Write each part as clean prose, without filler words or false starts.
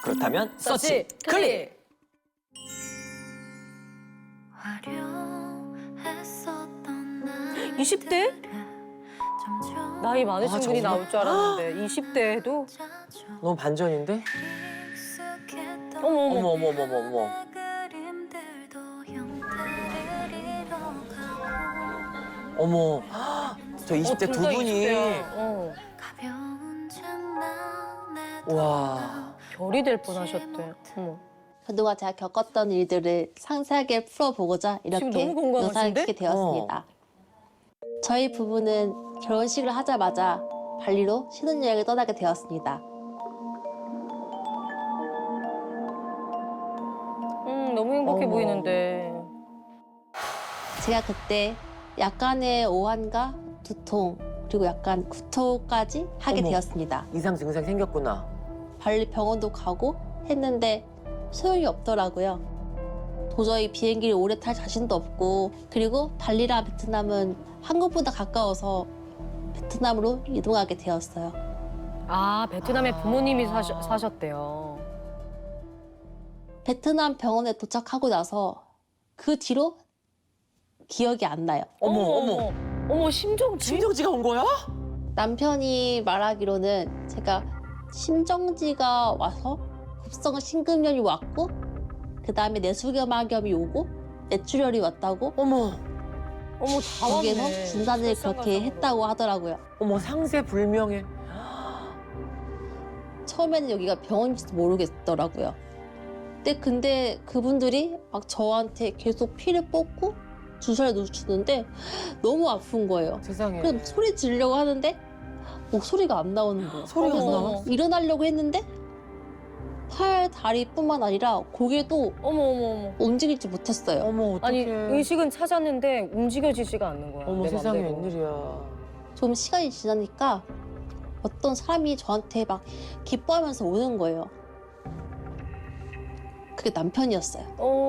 그렇다면 서치 클릭! 20대? 나이 많으신 아, 분이 정말? 나올 줄 알았는데 20대에도 너무 반전인데? 어머 어머 어머 어머 어머 어머 어머. 어머, 저 20대 두 진짜 분이 20대야. 어. 와. 별이 될 뻔하셨대. 어머. 그동안 제가 겪었던 일들을 상세하게 풀어보고자 지금 이렇게 너무 공감하신데? 영상을 찍게 되었습니다. 저희 부부는 결혼식을 하자마자 발리로 신혼여행을 떠나게 되었습니다. 너무 행복해 어머. 보이는데. 제가 그때 약간의 오한과 두통 그리고 약간 구토까지 하게 어머. 되었습니다. 이상 증상 생겼구나. 발리 병원도 가고 했는데 소용이 없더라고요. 도저히 비행기를 오래 탈 자신도 없고 그리고 발리랑 베트남은 한국보다 가까워서 베트남으로 이동하게 되었어요. 아, 베트남에 부모님이 사셨대요. 베트남 병원에 도착하고 나서 그 뒤로 기억이 안 나요. 어머 어머. 어머, 심정지? 심정지가 온 거야? 남편이 말하기로는 제가 심정지가 와서 급성 심근염이 왔고 그다음에 내수경화염이 오고 뇌출혈이 왔다고 어머 어머, 다 거기에서 왔네. 진단을 그렇게 했다고 하더라고요. 어머 상세 불명예. 처음에는 여기가 병원인지도 모르겠더라고요. 근데 그분들이 막 저한테 계속 피를 뽑고 주사를 주는데 너무 아픈 거예요. 세상에. 그래서 소리 지르려고 하는데 목소리가 안 나오는 거예요. 소리가 안 그래서 나와? 일어나려고 했는데 팔, 다리뿐만 아니라 고개도 어머, 어머, 어머. 움직이지 못했어요. 어머 어떡해. 아니, 의식은 찾았는데 움직여지지가 않는 거야. 어머 내 세상에 맘대로. 웬일이야. 좀 시간이 지나니까 어떤 사람이 저한테 막 기뻐하면서 오는 거예요. 그게 남편이었어요.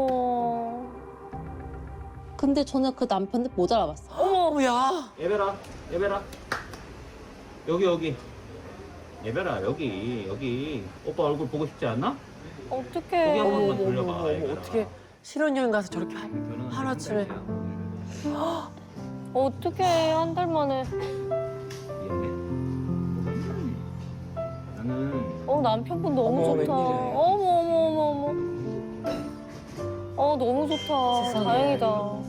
근데 저는 그 남편을 못 알아봤어요. 어머 야. 예별아, 예별아. 여기. 예별아, 여기. 오빠 얼굴 보고 싶지 않나? 고개 어떡해. 한 번만 어머 돌려봐. 어머 예별아. 어떻게 신혼여행 가서 저렇게 결혼은 하루아침에. 어떡해, 한 달 만에. 미안해. 나는 남편분 너무 어머, 좋다. 웬일이야. 어머. 너무 좋다. 세상에. 다행이다.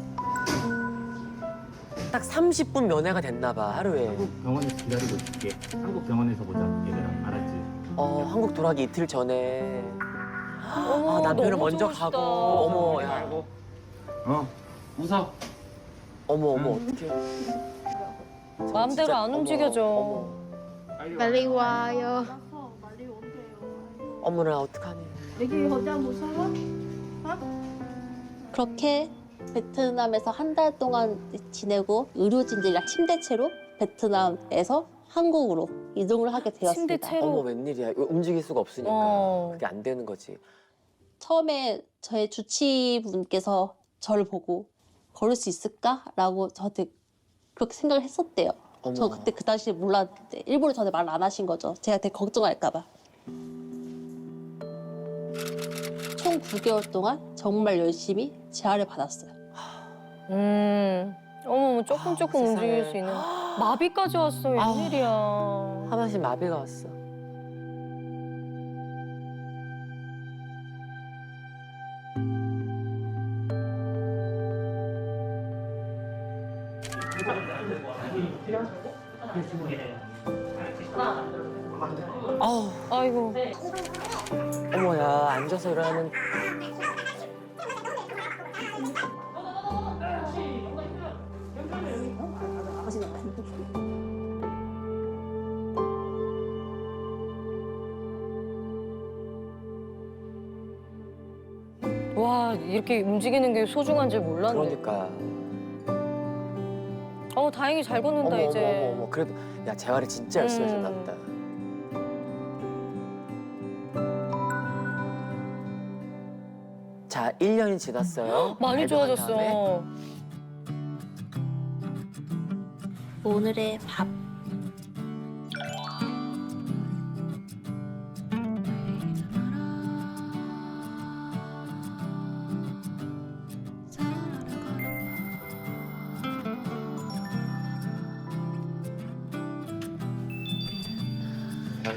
딱 30분 면회가 됐나 봐 하루에. 한국 병원에서 기다리고 있을게. 한국 병원에서 보자, 얘들아. 알았지? 한국 돌아가기 이틀 전에. 어머, 아, 남편은 너무 먼저 좋으시다. 가고. 어머 야. 웃어. 어머 어떡해. 마음대로 진짜, 안 어머, 움직여져. 어머. 빨리 와요. 어머나 어떡하니. 그렇게 베트남에서 한 달 동안 지내고 의료진들이랑 침대채로 베트남에서 한국으로 이동을 하게 되었습니다. 침대채로? 어머 웬일이야. 이거 움직일 수가 없으니까. 그게 안 되는 거지. 처음에 저의 주치분께서 저를 보고 걸을 수 있을까라고 저한테 그렇게 생각을 했었대요. 어머. 저 그때 그 당시에 몰랐는데 일부러 저한테 말을 안 하신 거죠. 제가 되게 걱정할까 봐. 총 9개월 동안 정말 열심히 재활을 받았어요. 어머, 조금 세상에. 움직일 수 있는. 마비까지 왔어, 웬일이야. 하반신 마비가 왔어. 아우 아이고. 어머야 앉아서 일어나는. 와, 이렇게 움직이는 게 소중한 줄 몰랐네. 그러니까. 다행히 잘 걷는다, 어머 이제. 어머 어머 그래도 야 재활을 진짜 열심히 하셨나 보다. 자 1년이 지났어요. 많이 발병한 다음에. 좋아졌어. 오늘의 밥.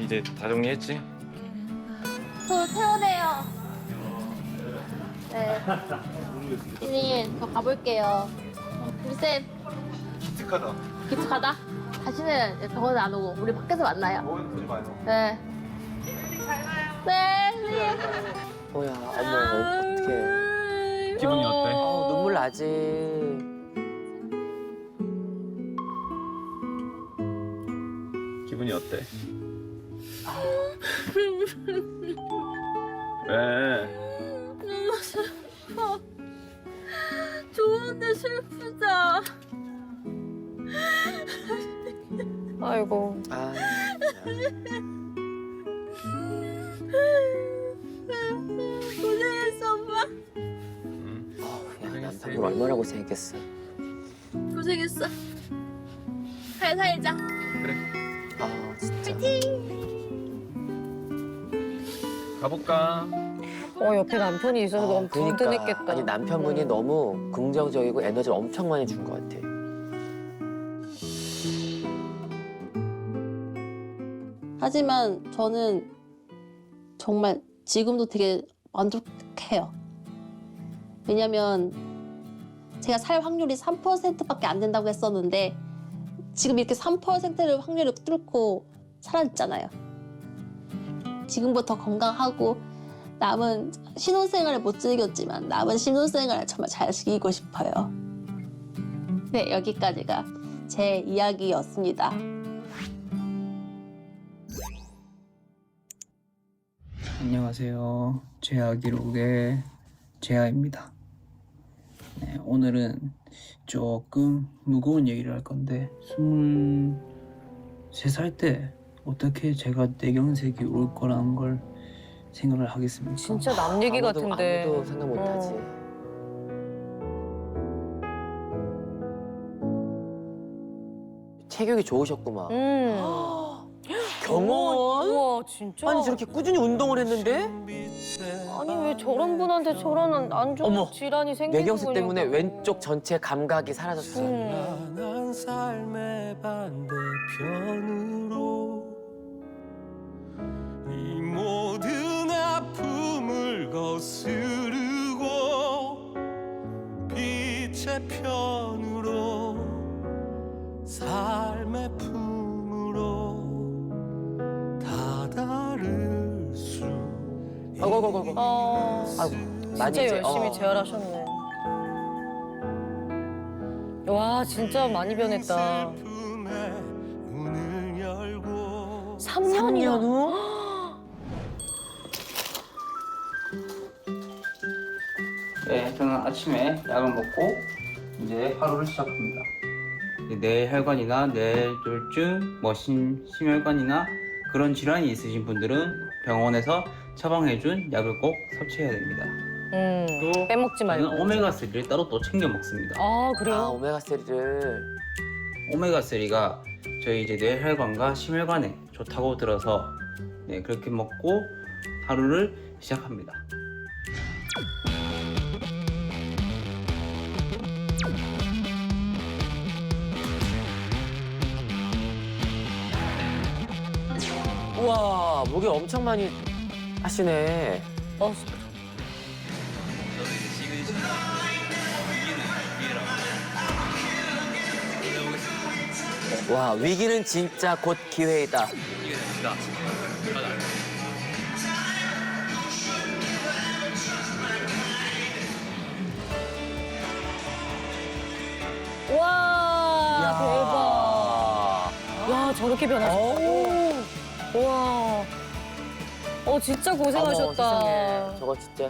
이제 다 정리했지? 저 태워내요. 네. 선생님, 저 가볼게요. 우리 기특하다. 기특하다. 다시는 병원에 안 오고 우리 밖에서 만나요. 보지 마요. 네. 네, 선생님. 뭐야, 어머, 어떡해. 기분이 어때? 눈물 나지. 기분이 어때? 왜? 너무 슬퍼. 좋은데 슬프다. 아이고. 아, 고생했어, 오빠. 야, 남편분 얼마나 고생했겠어. 고생했어. 잘 살자. 아, 진짜. 가볼까? 옆에 남편이 있어서 너무 그러니까. 든든했겠다. 아니, 남편분이 너무 긍정적이고 에너지를 엄청 많이 준 것 같아. 하지만 저는 정말 지금도 되게 만족해요. 왜냐면 제가 살 확률이 3%밖에 안 된다고 했었는데 지금 이렇게 3%를 확률을 뚫고 살았잖아요. 지금부터 건강하고 남은 신혼생활을 못 즐겼지만 남은 신혼생활을 정말 잘 즐기고 싶어요. 네, 여기까지가 제 이야기였습니다. 안녕하세요. 제아 기록의 제아입니다. 네, 오늘은 조금 무거운 얘기를 할 건데 23살 때 어떻게 제가 내경색이 올 거라는 걸 생각을 하겠습니까? 진짜 남 얘기 같은데. 아무도 생각 못 하지. 체격이 좋으셨구만. 경원? 우와, 진짜? 아니, 저렇게 꾸준히 운동을 했는데? 아니, 왜 저런 분한테 저런 안 좋은 어머, 질환이 생기는 뇌경색 거냐고. 때문에 왼쪽 전체 감각이 사라졌어. 찬란한 삶의 반대편으로 이 모든 아픔을 거스르고 빛의 편으로 삶의 품으로 다다를 수 아이고. 아이고, 많이 진짜 이제, 열심히 재활하셨네. 와, 진짜 많이 변했다. 슬픔의 문을 열고 3년이나. 후? 네, 저는 아침에 약을 먹고 이제 하루를 시작합니다. 뇌혈관이나 뇌졸중, 심혈관이나 그런 질환이 있으신 분들은 병원에서 처방해준 약을 꼭 섭취해야 됩니다. 또 빼먹지 말고. 저는 오메가3를 따로 또 챙겨 먹습니다. 아, 아, 그래요? 오메가3를. 오메가3가 저희 이제 뇌혈관과 심혈관에 좋다고 들어서 네, 그렇게 먹고 하루를 시작합니다. 우와, 목이 엄청 많이 하시네. 와, 위기는 진짜 곧 기회이다. 와, 대박. 와, 저렇게 변하셨다고? 와. 진짜 어머, 고생하셨다. 세상에. 저거 진짜.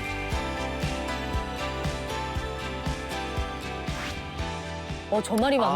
저 말이 맞는